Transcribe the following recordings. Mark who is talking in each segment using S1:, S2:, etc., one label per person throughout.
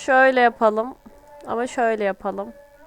S1: Şöyle yapalım. Ama şöyle yapalım.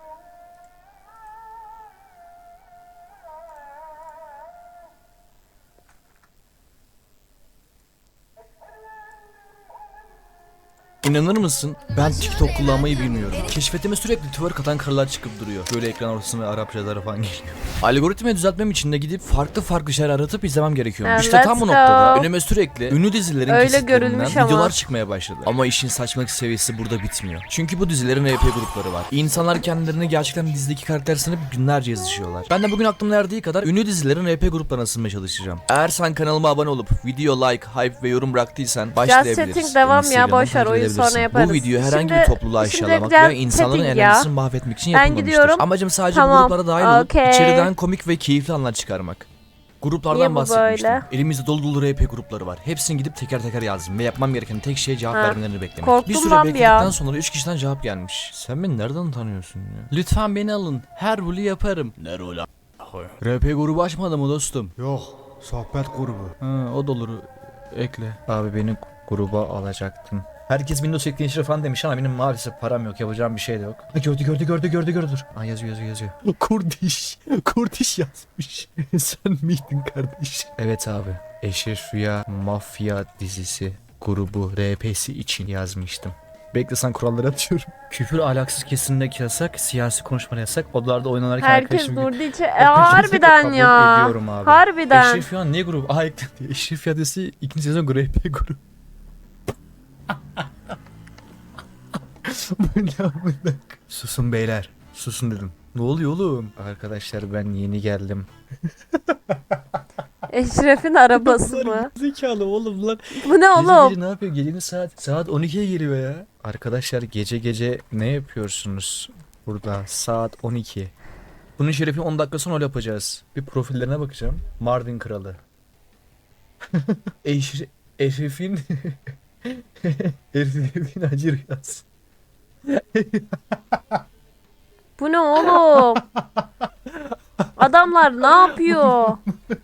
S2: İnanır mısın? Ben TikTok kullanmayı bilmiyorum. Keşfetime sürekli twerk atan karılar çıkıp duruyor. Böyle ekran ortasına Arap şeyler falan geliyor. Algoritmayı düzeltmem için de gidip farklı şeyler aratıp izlemem gerekiyor. İşte tam bu
S1: Let's
S2: noktada
S1: go.
S2: önüme sürekli ünlü dizilerin
S1: Öyle
S2: kesitlerinden
S1: görülmüş ama.
S2: videolar çıkmaya başladı. Ama işin saçmalık seviyesi burada bitmiyor. Çünkü bu dizilerin RP grupları var. İnsanlar kendilerini gerçekten dizideki karakter sanıp günlerce yazışıyorlar. Ben de bugün aklımda erdiği kadar ünlü dizilerin RP gruplarına sızmaya çalışacağım. Eğer sen kanalıma abone olup video like, hype ve yorum bıraktıysan başlayabiliriz.
S1: Chatting devam ya,
S2: Instagram'dan
S1: boşver,
S2: takip
S1: oyun
S2: edebilirsin.
S1: sonra yaparız.
S2: Bu video herhangi
S1: Şimdi-
S2: bir topluluğu
S1: şimdi
S2: aşağılamak
S1: biraz
S2: veya insanların
S1: chatting ya.
S2: enerjisini mahvetmek için
S1: Ben
S2: yapılmamıştır.
S1: gidiyorum.
S2: Amacım sadece
S1: Tamam.
S2: bu gruplara dahil olup
S1: Okey.
S2: içeriden komik ve keyifli anlar çıkarmak. Gruplardan
S1: Niye bu
S2: bahsetmiştim.
S1: böyle?
S2: Elimizde dolu RP grupları var. Hepsini gidip teker teker yazdım ve yapmam gereken tek şey cevap
S1: Ha.
S2: vermelerini beklemek.
S1: Korktum
S2: Bir süre
S1: lan bir
S2: bekledikten
S1: an.
S2: sonra 3 kişiden cevap gelmiş. Sen beni nereden tanıyorsun ya? Lütfen beni alın. Her rolü yaparım. Ne rolü RP grubu açmadı mı dostum?
S3: Yok, sohbet grubu.
S2: Ha, o da olur. Ekle. Abi beni gruba alacaktın. Herkes Windows ekleyici falan demiş ama benim maalesef param yok. Yapacağım bir şey de yok. Ha, gördü. Dur. Ha, yazıyor. Kurdiş yazmış. Sen miydin kardeş? Evet abi. Eşref Rüya Mafya dizisi grubu RP'si için yazmıştım. Bekle, sen kuralları atıyorum. Küfür ahlaksız kesinlikle yasak, siyasi konuşma yasak. Odalarda oynanırken
S1: Herkes
S2: arkadaşım
S1: durduğu için.
S2: Hepinizi
S1: Harbiden
S2: kabul
S1: ya.
S2: ediyorum abi.
S1: Harbiden.
S2: Eşref Rüya ne grubu? Aa, eklendi. Eşref Rüya dizisi ikinci sezon RP grubu. Bu ne amına? Susun beyler. Susun dedim. Ne oluyor oğlum? Arkadaşlar ben yeni geldim.
S1: Eşref'in arabası mı?
S2: Zekalı oğlum lan.
S1: Bu ne oğlum?
S2: Gece ne yapıyor? Gecenin saat 12'ye geliyor ya. Arkadaşlar gece ne yapıyorsunuz burada? Saat 12. Bunun şerefi 10 dakika sonra öyle yapacağız. Bir profillerine bakacağım. Mardin Kralı. Eşref'in Eşref'in Hacı Rüyası.
S1: Bu ne oğlum? Adamlar ne yapıyor?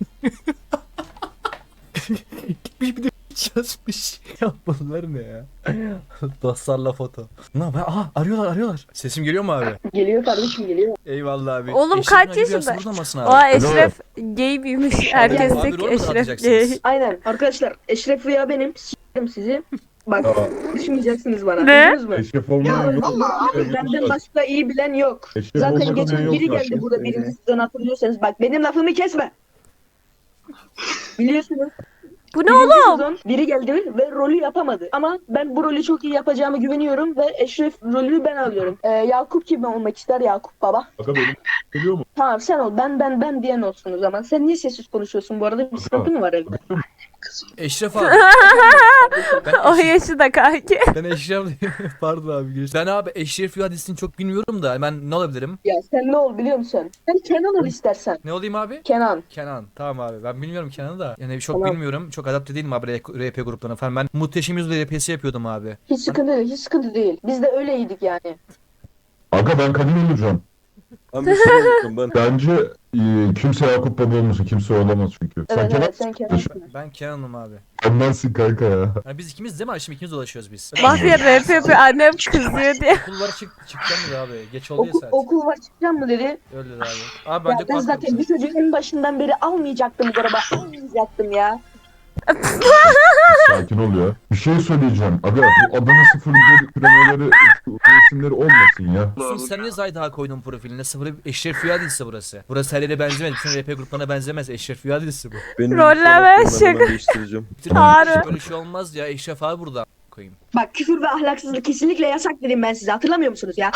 S2: Gitmiş bir de yazmış. Ya bunlar ne ya? Dostlarla foto. Ne yapıyor? Aha, arıyorlar. Sesim geliyor mu abi?
S4: Geliyor kardeşim geliyor.
S2: Eyvallah abi.
S1: Oğlum
S2: Eşref'in
S1: kaç
S2: Hacı Rüyası
S1: yaşında?
S2: burada mısın abi?
S1: Aa, Eşref gay büyümüş. Herkes
S2: Abi,
S1: tek
S2: rol mü
S1: Eşref
S2: atacaksınız?
S1: gay.
S4: Aynen. Arkadaşlar Eşref Rüya benim. S**erim sizi. Bak düşmeyeceksiniz bana.
S1: Ne?
S4: Duydunuz mu?
S5: Eşref olmayan yok.
S4: Benden başka iyi bilen yok.
S5: Eşref
S4: Zaten
S5: olmayan
S4: geçen
S5: yok
S4: biri
S5: zaten.
S4: geldi burada birinci sezon hatırlıyorsanız. Bak benim lafımı kesme. Biliyorsunuz.
S1: Bu ne
S4: Birinci
S1: oğlum?
S4: sezon biri geldi ve rolü yapamadı. Ama ben bu rolü çok iyi yapacağımı güveniyorum ve Eşref rolünü ben alıyorum. Yakup kim olmak ister, Yakup baba?
S5: Aga benim geliyor mu?
S4: Tamam sen ol. Ben diyen olsun o zaman. Sen niye sessiz konuşuyorsun bu arada? Bir sıkıntı mı var evde?
S2: Eşref abi.
S1: O yaşı da kanki.
S2: Ben Eşref pardon abi. Ben abi Eşref Rüya dizisini çok bilmiyorum da ben ne olabilirim?
S4: Ya sen ne ol biliyor musun? Sen Kenan ol istersen.
S2: Ne olayım abi?
S4: Kenan.
S2: Kenan. Tamam abi. Ben bilmiyorum Kenan'ı da. Yani çok
S4: Tamam.
S2: bilmiyorum. Çok adapte değilim abi RP gruplarına falan. Ben Muhteşem Yüzyıl RP'si yapıyordum abi.
S4: Hiç sıkıntı değil, hiç sıkıntı değil. Biz de öyleydik yani.
S5: Aga ben Kadir olacağım.
S6: Ben bir şey unuttum ben.
S5: Bence kimse Yakup Baba olmasın. Kimse olamaz çünkü. Sen
S4: Evet
S5: Kenan
S4: evet sen Kenan.
S2: Ben Kenan'ım abi.
S5: Ondansın kanka ya.
S2: Yani biz ikimiz değil mi? Şimdi ikimiz dolaşıyoruz biz.
S1: Mafya rap yapıyor. Annem kızıyor diye.
S2: Okul var çıkacağım dedi abi. Geç oldu ya
S4: Okul,
S2: saat.
S4: okul var çıkacağım mı dedi.
S2: Öyle dedi abi. Abi
S4: Ya
S2: bence
S4: ben zaten bir çocuğu en başından beri almayacaktım bu araba. Almayacaktım ya.
S5: Sakin ol ya. Bir şey söyleyeceğim. Aga bu Adana 01 kremeleri isimleri olmasın ya.
S2: Sen ne Zayda koydun profiline? Eşref Rüya dizisi burası. Burası her yere benzemez. Bütün RP gruplarına benzemez. Eşref Rüya dizisi bu.
S6: Benim
S1: Rolleme
S6: ben
S1: şaka.
S6: hemen değiştireceğim.
S1: Harbi.
S2: Böyle şey olmaz ya. Eşref abi burada koyayım.
S4: Bak küfür ve ahlaksızlık kesinlikle yasak dedim ben size. Hatırlamıyor musunuz ya?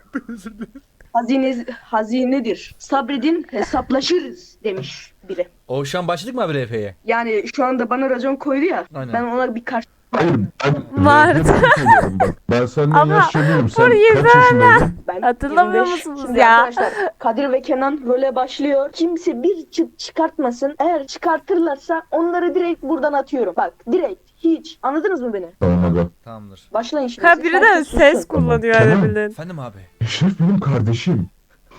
S4: Hazinedir. Sabredin hesaplaşırız demiş biri.
S2: O şu an başladık mı abi RP'ye?
S4: Yani şu anda bana racon koydu ya.
S2: Aynen.
S4: Ben ona bir karşı...
S5: Hayır ben
S1: Vardı.
S5: söylüyorum bak. Ben senden
S1: Ama
S5: yaşlanıyorum. Sen
S1: burayı
S5: kaç yaşındaydın?
S4: Ben
S1: Hatırlamıyor
S4: 25.
S1: musunuz
S4: Şimdi
S1: ya?
S4: Arkadaşlar Kadir ve Kenan role başlıyor. Kimse bir çıt çıkartmasın. Eğer çıkartırlarsa onları direkt buradan atıyorum. Bak direkt hiç. Anladınız mı beni?
S5: Tamam aga.
S2: Tamamdır.
S4: Başlayın şimdi.
S1: Ha biri de
S4: Herkes
S1: ses
S4: sussun.
S1: kullanıyor
S5: Tamam.
S1: öyle bildiğin.
S2: Efendim abi.
S5: Eşref benim kardeşim.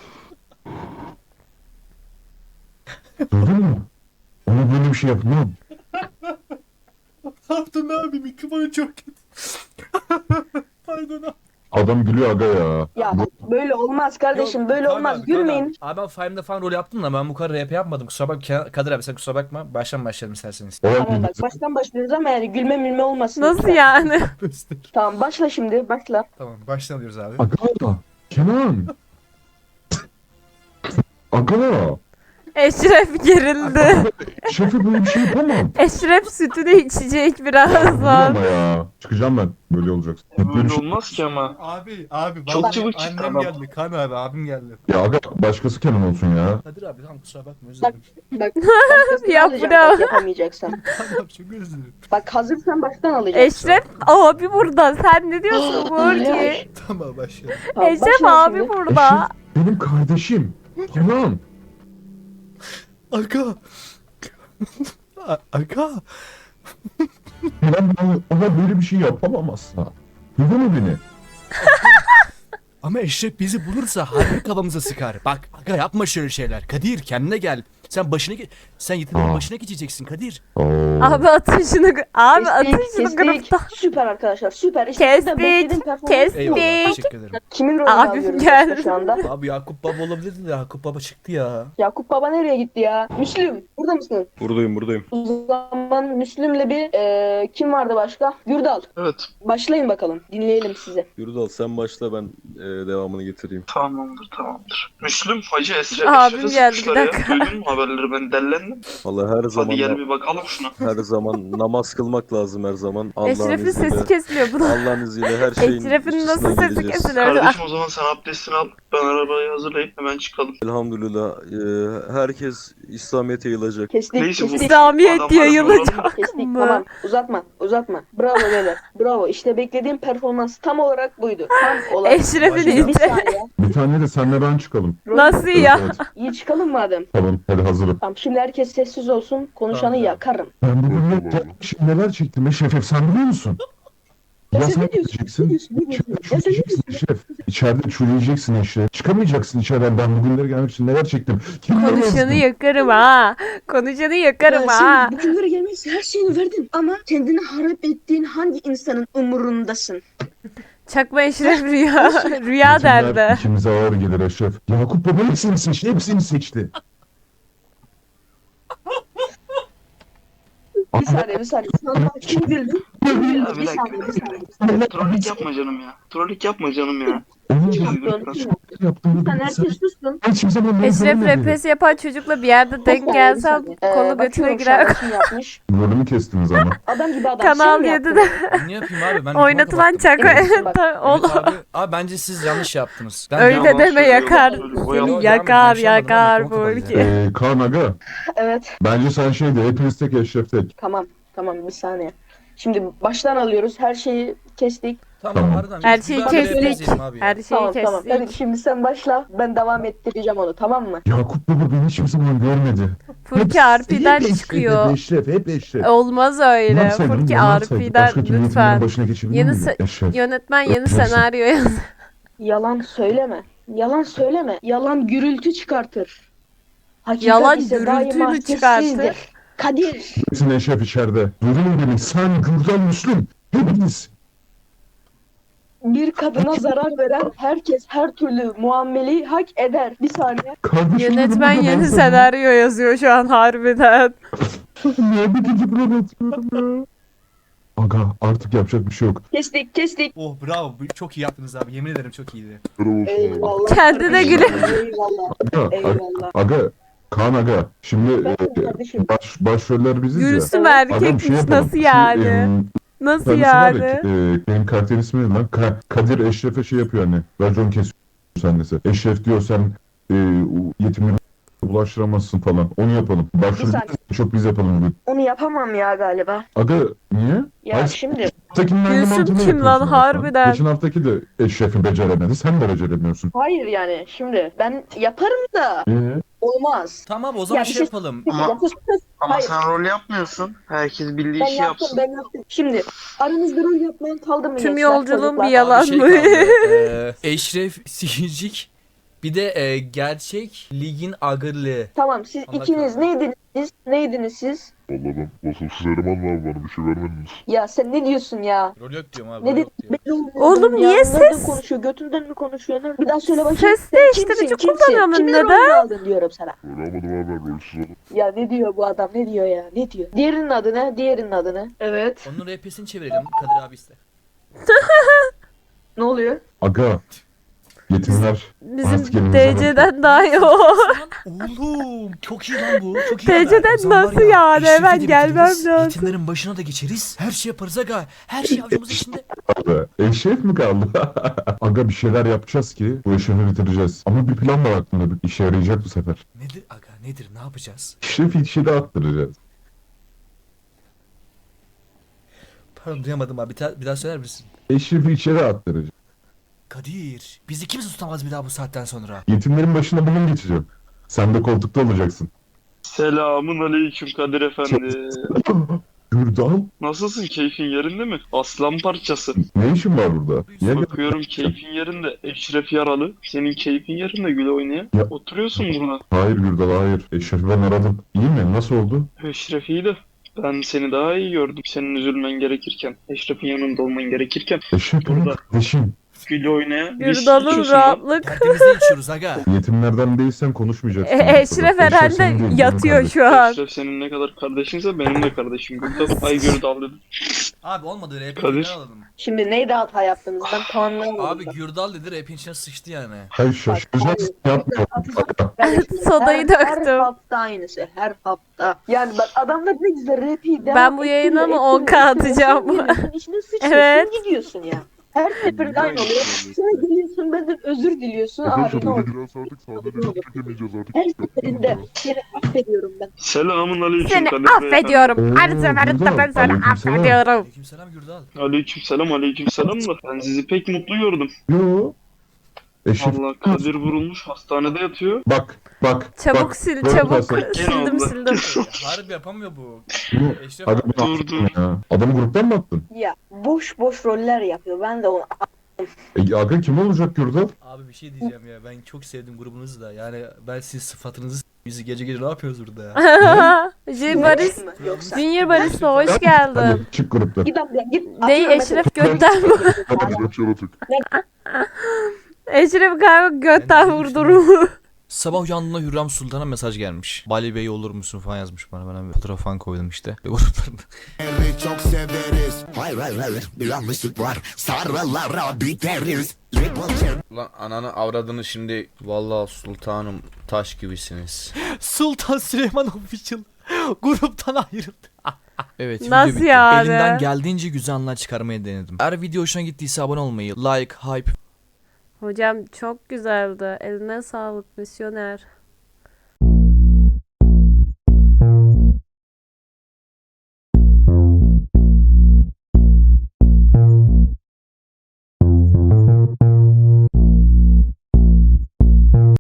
S5: Duydun mu? Ona böyle bir şey yapmam.
S2: Ne yaptın abi? Mikrofonu çok kötü. Pardon abi.
S5: Adam gülüyor aga ya.
S4: Ya böyle olmaz kardeşim,
S2: Yok,
S4: böyle
S2: Kaan
S4: olmaz.
S2: abi, Kaan
S4: Gülmeyin.
S2: Abi ben Five'da falan rol yaptım da ben bu kadar rap yapmadım. Kusura bakma Kadir abi, sen kusura bakma. Başlayalım isterseniz.
S5: O
S4: Tamam bak, baştan başlıyoruz ama yani gülme olmasın.
S1: Nasıl
S4: lütfen.
S1: yani?
S4: Tamam, başla şimdi, başla.
S2: Tamam başlıyoruz abi.
S5: Aga. Kenan. Aga.
S1: Eşref gerildi.
S5: Şefi böyle bir şey yapamam.
S1: Eşref sütünü içecek
S5: Dur
S1: birazdan.
S5: ama ya. Çıkacağım ben. Böyle olacak. Böyle
S7: Böyle
S5: bir şey.
S7: olmaz ki ama.
S2: Abi
S7: Çok
S2: vallahi
S7: çabuk çıktı
S2: annem
S7: adam.
S2: geldi. Kaan abi abim geldi.
S5: Ya aga başkası Kenan olsun ya.
S2: Kadir abi tamam kusura bakma özür
S4: Bak.
S2: dilerim.
S4: Bak, baştan
S1: Yap
S4: alacağım,
S1: bravo.
S4: bak, yapamayacaksan.
S2: Tamam çok özür dilerim.
S4: Bak, hazırsan baştan alacaksın.
S1: Eşref abi burada. Sen ne diyorsun Burki?
S2: Tamam başlayalım.
S4: Tamam,
S1: Eşref
S4: başla
S1: abi
S4: şimdi.
S1: burada.
S5: Eşref benim kardeşim. Kenan.
S2: Aga. Aga.
S5: Kenan ona böyle bir şey yapamam asla. Duydun mu beni?
S2: Ama Eşref bizi bulursa harbi kafamıza sıkar. Bak aga yapma şöyle şeyler. Kadir kendine gel. Sen yeteneğin başına geçeceksin Kadir.
S5: Oo.
S1: Abi atın şunu. Abi atın şunu
S4: Kestik.
S1: grupta.
S4: Süper arkadaşlar, süper. İşte ben beklediğim
S1: Kestik.
S4: performans-
S1: Kestik.
S2: Eyvallah teşekkür ederim.
S4: Kimin rolünü
S1: Abim
S4: alıyoruz
S1: geldi.
S4: başta şu anda?
S2: Abi Yakup Baba olabilirdi de Yakup Baba çıktı ya.
S4: Yakup Baba nereye gitti ya? Müslüm, burada mısın?
S6: Buradayım.
S4: O zaman Müslüm'le bir kim vardı başka? Gürdal.
S7: Evet.
S4: Başlayın bakalım. Dinleyelim sizi.
S6: Yurdal sen başla, ben devamını getireyim.
S7: Tamamdır. Müslüm Hacı Esre
S1: Abim
S7: Eşref'e
S1: geldi, bir
S7: sıkmışlar ya.
S1: dakika.
S7: Duydun mu haberleri, ben dellendim.
S6: Vallahi her zaman
S7: Hadi gel bir bakalım şuna.
S6: her zaman namaz kılmak lazım her zaman. Allah'ın
S1: Eşref'in
S6: izniyle.
S1: sesi kesiliyor. Bu da.
S6: Allah'ın izniyle her şeyin
S1: Eşref'in nasıl
S6: üstesinden
S1: sesi
S6: geleceğiz.
S1: kesiliyor?
S7: Kardeşim o zaman sen abdestini al. Ben arabayı hazırlayıp hemen çıkalım.
S6: Elhamdülillah herkes İslamiyet'e yayılacak.
S4: Kestik,
S7: Neyse bu-
S4: kestik.
S1: İslamiyet
S7: Adam
S1: diye
S7: var,
S1: yayılacak
S4: Kestik,
S1: mı?
S4: tamam. Uzatma. Bravo beyler. Bravo. İşte beklediğim performans tam olarak buydu. Tam olarak.
S1: Eşref'in
S2: Başlayalım.
S4: Bir
S1: iti.
S4: saniye.
S5: Bir tane de senle ben çıkalım.
S1: Nasıl ya?
S5: Evet.
S4: İyi çıkalım madem.
S5: Tamam hadi hazırım.
S4: Tamam, şimdi herkes sessiz olsun. Konuşanı
S2: Tamam.
S4: yakarım.
S5: Ben bugün neler çektim Eşref sen biliyor musun? Ya
S4: sen
S5: sen
S4: ne diyorsun?
S5: gideceksin.
S4: Ne diyorsun? Ya sen ne
S5: Çürüyeceksin
S4: diyorsun?
S5: Eşref. İçeride çürüyeceksin Eşref. Çıkamayacaksın içeriden. Ben bugünlere gelmek için neler çektim. Kim
S1: Konuşanı yakarım ha. Konuşanı yakarım
S4: Ya
S1: ha.
S4: sen bugünlere gelmek için her şeyini verdin. Ama kendini harap ettiğin hangi insanın umurundasın?
S1: Çakma Eşref rüya. Rüya derdi.
S5: İkimize ağır gelir Eşref. Yakup Baba hepsini seçti. Hepsini seçti.
S4: Bir saniye. Şu anda kim güldü? Kim güldü?
S7: Ya bir
S4: Bir
S7: dakika.
S4: saniye.
S7: Trollik yapma canım ya.
S5: Onun
S4: Kim
S5: yaptığını
S4: yaptı? Kim yaptı?
S5: yaptığını
S4: Sen
S5: bilirsen
S4: herkes sussun.
S5: hiçbir zaman ben
S1: Eşref
S5: görmedim.
S1: repes yapan çocukla bir yerde denk gelsem kolu götüne
S4: Bakıyorum şu
S1: girer.
S4: an kim yapmış.
S5: Rolümü kestiniz ama.
S4: Adam gibi adam.
S1: Kanal
S4: Sen mi
S1: 7'de
S2: Ne yapayım abi ben
S1: oynatılan çakma.
S4: Emin misin?
S1: Oğlum.
S2: Abi bence siz yanlış yaptınız. Ben
S1: Öyle
S7: yalan
S1: deme
S7: söylüyor,
S1: yakar.
S7: yalan söylüyor. O
S1: Seni
S7: yalan-
S1: yakar
S2: Ben şey anlamadım,
S1: yakar
S2: mikrofon kapalı
S1: Burki.
S2: ya.
S5: Kaan Aga.
S4: Evet.
S5: Bence sen şeyde hepiniz tek Eşref tek.
S4: Tamam. Bir saniye. Şimdi baştan alıyoruz. Her şeyi kestik.
S2: Tamam harbiden.
S1: Her
S2: biz
S1: şeyi
S2: güzel bir rap
S1: kestik.
S2: yazayım abi ya.
S1: Her şeyi
S4: Tamam. Hadi
S1: kestik.
S4: şimdi sen başla. Ben devam ettireceğim onu, tamam mı?
S5: Yakup Baba beni hiçbir zaman görmedi.
S1: Furki RP'den
S5: Hep
S1: çıkıyor.
S5: Eşref, hep Eşref.
S1: Olmaz öyle.
S5: Ulan sen,
S1: Furki
S5: ulan sen
S1: RP'den
S5: başka türlü
S1: lütfen.
S5: yönetmenin başına geçebilir
S1: Yeni
S5: miydin? Eşref.
S1: Yönetmen yeni
S5: Öpeceksin.
S1: senaryo yaz.
S4: Yalan söyleme. Yalan gürültü çıkartır. Hakikat
S1: Yalan
S4: ise
S1: gürültü
S4: daima
S1: mü çıkartır?
S4: sessizdir. Kadir.
S5: Hepsini Eşref içeride. Duydun beni. Sen, Gürdal, Müslüm. Hepiniz.
S4: Bir kadına zarar veren herkes her türlü muameleyi hak eder. Bir saniye.
S5: Kardeşim
S1: Yönetmen
S5: benim de
S1: yeni
S5: ben
S1: senaryo yazıyor şu an harbiden.
S5: sana- Niye bir gece böyle atıyorum ya? Aga artık yapacak bir şey yok.
S4: Kestik.
S2: Oh bravo çok iyi yaptınız abi yemin ederim çok iyiydi.
S4: Eyvallah.
S1: Kendine güle.
S4: Eyvallah.
S5: Aga, aga, Kaan Aga. Şimdi
S4: Ben kardeşim.
S5: başroller biziz ya.
S1: Gülsüm
S5: Agam
S1: erkekmiş
S5: şey yapalım.
S1: nasıl yani? Nasıl
S5: Tanesi var ya,
S1: yani?
S5: benim karakter ismi ne lan? Kadir Eşref'e şey yapıyor hani. Racon kesiyor annesi. Eşref diyor sen yetimleri bulaştıramazsın falan. Onu yapalım. Başrol
S4: saniye.
S5: çok biz yapalım bugün.
S4: Onu yapamam ya galiba.
S5: Aga niye?
S4: Ya
S5: Hayır,
S4: şimdi
S5: haftakinin aynı
S1: Gülsüm
S5: mantığını
S1: kim lan,
S5: yapıyorsun ama sen.
S1: harbiden?
S5: Geçen haftaki de Eşref'i beceremedi. Sen de beceremiyorsun.
S4: hayır yani şimdi ben yaparım da olmaz.
S2: Tamam o zaman
S4: Ya bir
S2: şey
S4: şey-
S2: yapalım.
S7: Ama-
S4: Sus.
S7: Ama
S4: Hayır.
S7: sen rol yapmıyorsun. Herkes bildiği
S4: Ben
S7: işi
S4: yaptım.
S7: yapsın.
S4: Şimdi aranızda rol yapmayan kaldı mı?
S1: Tüm
S4: gençler,
S1: yolculuğum
S4: çocuklar?
S1: bir yalan.
S2: Abi şey
S1: mı?
S2: kaldı. Eşref Sihircik bir de gerçek ligin agırlığı.
S4: Tamam siz
S2: Onlar
S4: ikiniz
S2: kaldı.
S4: neydiniz siz?
S5: Vallahi ben vasıfsız eleman var, bana bir şey vermediniz.
S4: Ya sen ne diyorsun ya?
S2: Rol yok diyorum abi.
S4: Ne
S2: rol
S4: dedin?
S2: yok diyorum.
S4: Belli olmuyor
S1: Oğlum
S4: ya.
S1: niye
S4: Nereden
S1: ses-
S4: konuşuyor? Götünden mi konuşuyor? Bir daha söyle bakayım.
S1: Ses
S4: Sen
S1: değiştirici
S4: kimsin?
S1: kullanıyorum.
S4: Kimin
S1: Neden?
S4: rolünü aldın diyorum sana.
S5: Öyle almadım abi, ben rolsüz adam.
S4: Ya ne diyor bu adam? Ne diyor ya? Ne diyor? Diğerinin adı ne? Diğerinin adı ne? Evet.
S2: Onun RP'sini çevirelim. Kadir abi iste.
S4: Ne oluyor?
S5: Aga. Yetimler. Artık
S1: Bizim
S5: elimize
S1: DC'den daha iyi o.
S2: Oğlum çok iyi lan bu. Çok iyi.
S1: DC'den
S2: O zaman var
S1: nasıl
S2: ya,
S1: yani?
S2: Eşref'i
S1: Hemen
S2: de
S1: gelmem
S2: bitiririz,
S1: lazım.
S2: Yetimlerin başına da geçeriz. Her şey yaparız aga. Her şey avucumuzun içinde.
S5: kaldı. Eşref mi kaldı? Aga bir şeyler yapacağız ki bu eşrefi bitireceğiz. Ama bir plan var aklımda. Bir işe yarayacak bu sefer.
S2: Nedir aga nedir ne yapacağız?
S5: Eşrefi içeri attıracağız.
S2: Pardon duyamadım abi. Bir daha söyler misin?
S5: Eşrefi içeri attıracağız.
S2: Kadir bizi kimse tutamaz bir daha bu saatten sonra.
S5: Yetimlerin başına bugün geçeceğim. Sen de koltukta olacaksın.
S7: Selamun aleyküm Kadir Efendi.
S5: Gürdal,
S7: Nasılsın? Keyfin yerinde mi? Aslan parçası.
S5: ne işin var burada? Niye geldin?
S7: Bakıyorum keyfin yerinde. Eşref yaralı. Senin keyfin yerinde güle oynaya.
S5: Ya-
S7: Oturuyorsun burada.
S5: Hayır Gürdal, hayır. Eşref'i ben aradım. İyi mi? Nasıl oldu?
S7: Eşref iyi de. Ben seni daha iyi gördüm. Senin üzülmen gerekirken. Eşref'in yanında olman gerekirken.
S5: Eşref benim
S7: Burada.
S5: kardeşim.
S7: Güle oynaya. Viski
S1: Gürdal'ın
S7: içiyorsun lan.
S1: rahatlık.
S2: Tertemizde içiyoruz aga.
S5: Yetimlerden değilsen konuşmayacaksın.
S1: Eşref
S5: senin değil,
S1: herhalde
S5: benim
S1: yatıyor
S5: kardeşim.
S1: şu an.
S7: Eşref senin ne kadar kardeşinse benim de kardeşim. Gürdal. Ay Gürdal dedim.
S2: Abi olmadı RP'yi
S7: Kadir.
S2: alalım.
S4: Şimdi neydi hata yaptınız? Ben tamamlayamadım.
S2: Abi Gürdal dedi rap'in içine sıçtı yani.
S5: Hayır şaşıracaksın. Yapmıyorum. Aga.
S1: Sodayı
S4: Her
S1: döktüm.
S4: hafta aynısı. Her hafta. Yani bak adamlar ne güzel rapi devam
S1: Ben bu yayına mı 10K atacağım?
S4: Sen içine sıçıyorsun
S1: Evet.
S4: gidiyorsun ya. Her seferinde aynı oluyor. Sonra geliyorsun benden özür diliyorsun. Abi
S5: Arkadaşlar
S4: ne
S5: böyle
S4: oldu?
S5: biraz artık sadece çekemeyeceğiz artık.
S4: Her seferinde seni affediyorum ben.
S7: Selamun aleyküm
S1: Seni
S7: Kadir Bey.
S1: affediyorum. Her
S5: Oo,
S1: seferinde ben
S5: Gürdal,
S1: seni
S5: aleykümselam.
S1: affediyorum.
S2: Aleykümselam Gürdal.
S7: Aleykümselam aleykümselam da. Ben sizi pek mutlu gördüm.
S5: Yo. Eşref.
S7: Allah Kadir vurulmuş hastanede yatıyor.
S5: Bak.
S1: Çabuk
S5: bak.
S1: sil
S5: Böyle
S1: çabuk.
S5: yaparsan-
S1: Sildim
S7: Allah.
S1: sildim.
S2: Harbi yapamıyor bu.
S5: Bunu-
S2: Eşref
S5: Aga
S2: abi.
S5: bunu
S7: Dur,
S5: attın ya. Adamı gruptan mı attın?
S4: Ya boş boş roller yapıyor. Ben de onu
S5: Aga kim olacak Gürdal?
S2: Abi bir şey diyeceğim ya. Ben çok sevdim grubunuzu da. Yani ben siz sıfatınızı bizi gece gece ne yapıyoruz burada ya?
S1: Junior Barış.
S4: mı? Yoksa.
S1: Junior Barış'la hoş geldin.
S5: Hadi çık gruptan.
S4: Git abla git.
S1: Ney
S4: Atıyorum
S1: Eşref
S4: mesela.
S1: götten mi?
S5: Hadi yaratık.
S1: Eşref galiba götten
S2: Ben de
S1: vurdurumu.
S2: Sabah uyandığında Hürrem Sultan'a mesaj gelmiş. Bali Bey olur musun falan yazmış bana. Ben bir fotoğraf falan koydum işte. Gruplarında.
S8: Çok severiz. Hayır hayır hayır. Bir yanlışlık var. Sarılara biteriz.
S3: Ulan ananı avradını şimdi. Vallahi sultanım taş gibisiniz.
S2: Sultan Süleyman Official gruptan ayrıldı. Evet video
S1: Nasıl
S2: bitti.
S1: yani?
S2: Elimden geldiğince güzel anlar çıkarmaya denedim. Eğer video hoşuna gittiyse abone olmayı, like, hype
S1: Hocam çok güzeldi. Eline sağlık misyoner.